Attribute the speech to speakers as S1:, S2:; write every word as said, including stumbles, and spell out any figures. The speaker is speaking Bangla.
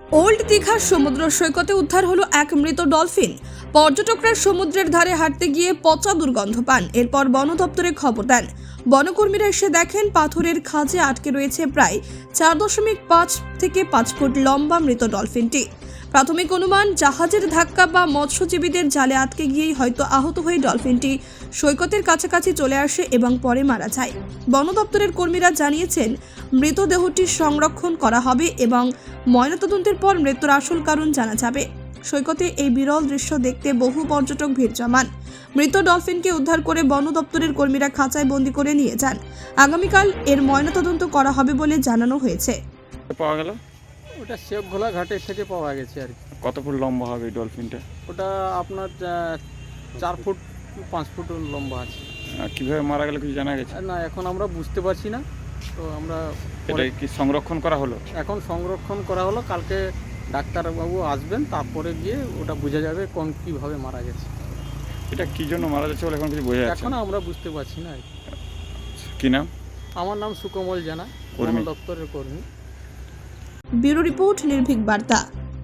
S1: ওল্ড দীঘার সমুদ্র সৈকতে উদ্ধার হলো এক মৃত ডলফিন। পর্যটকরা সমুদ্রের ধারে হাঁটতে গিয়ে পচা দুর্গন্ধ পান। এরপর বন দপ্তরে খবর দেন। বনকর্মীরা এসে দেখেন পাথরের খাঁজে আটকে রয়েছে প্রায় চার দশমিক পাঁচ থেকে পাঁচ ফুট লম্বা মৃত ডলফিনটি। প্রাথমিক অনুমান, জাহাজের ধাক্কা বা মৎস্যজীবীদের জালে আটকে গিয়েই হয়তো আহত হয়ে ডলফিনটি সৈকতের কাছাকাছি চলে আসে এবং পরে মারা যায়। বন দপ্তরের কর্মীরা জানিয়েছেন, মৃতদেহটি সংরক্ষণ করা হবে এবং ময়নাতদন্তের পর মৃত্যুর আসল কারণ জানা যাবে। সৈকতে এই বিরল দৃশ্য দেখতে বহু পর্যটক ভিড় জমান। মৃত ডলফিনকে উদ্ধার করে বন দপ্তরের কর্মীরা খাঁচায় বন্দি করে নিয়ে যান। আগামীকাল এর ময়নাতদন্ত করা হবে বলে জানানো হয়েছে।
S2: পাওয়া গেল
S3: ওটা শেখঘোলা ঘাটের থেকে পাওয়া গেছে আর কি।
S2: কত ফুট লম্বা হবে এই ডলফিনটা?
S3: ওটা আপনার আহ, চার ফুট পাঁচ ফুট লম্বা আছে।
S2: আহ, কিভাবে মারা গেল কিছু জানা গেছে?
S3: আর না, এখন আমরা বুঝতে পারছি না। তো আমরা
S2: এটা
S3: পরে-
S2: কি সংরক্ষণ করা হলো?
S3: এখন সংরক্ষণ করা হলো, কালকে ডাক্তারবাবু আসবেন, তারপরে গিয়ে ওটা বোঝা যাবে কোন কীভাবে মারা গেছে।
S2: এটা কি জন্য মারা যাচ্ছে বলে এখন কিছু বোঝা যাচ্ছে
S3: এখন
S2: না।
S3: আমরা বুঝতে পারছি না আর কি।
S2: কি নাম?
S3: আমার নাম সুকমল জানা, বন
S2: কর্মী।
S3: দপ্তরের কর্মী।
S1: ব্যুরো রিপোর্ট, নির্ভীক বার্তা।